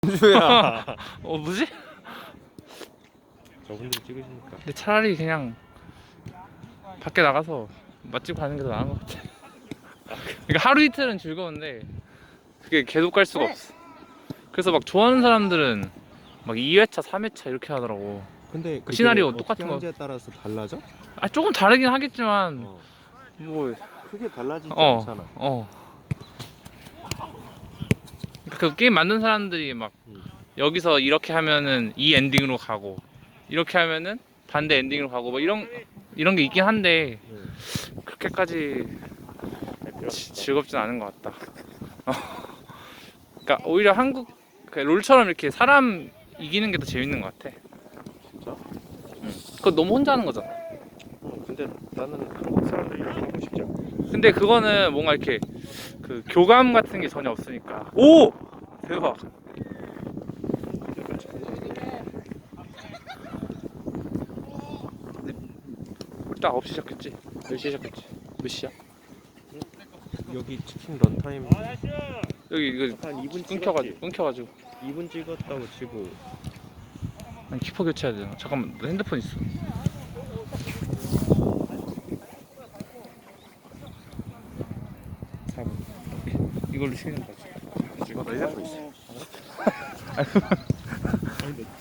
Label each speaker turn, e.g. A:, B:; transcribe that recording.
A: 주야.
B: 뭐지?
A: 저분들이 찍으시니까.
B: 근데 차라리 그냥 밖에 나가서 맛집 가는 게 더 나은 것 같아. 그러니까 하루 이틀은 즐거운데 그게 계속 갈 수가 없어. 그래서 막 좋아하는 사람들은 막 2회차, 3회차 이렇게 하더라고.
A: 근데
B: 그 시나리오 똑같은 거.
A: 하는지에 따라서 달라져?
B: 조금 다르긴 하겠지만
A: 어.
B: 뭐
A: 크게 달라지지
B: 어,
A: 않잖아.
B: 그 게임 만든 사람들이 막 여기서 이렇게 하면은 이 엔딩으로 가고 이렇게 하면은 반대 엔딩으로 가고 뭐 이런 게 있긴 한데 그렇게까지 즐겁진 않은 것 같다. 그러니까 오히려 한국 롤처럼 이렇게 사람 이기는 게 더 재밌는 것 같아.
A: 진짜?
B: 그거 너무 혼자 하는 거잖아.
A: 근데 나는 한국 사람들이랑 하고 싶지 않아.
B: 근데 그거는 뭔가 이렇게 그 교감 같은 게 전혀 없으니까. 오! 대박. 딱 9시 시작했지? 10시 시작했지? 몇 시야?
A: 여기 치킨 런타임
B: 여기 이거
A: 한 2분
B: 끊겨가지고
A: 2분 찍었다고 치고.
B: 아니 키퍼 교체해야 되나? 잠깐만 너 핸드폰 있어. 이걸로 치는 거지.
A: 너 핸드폰 있어.
B: 아니,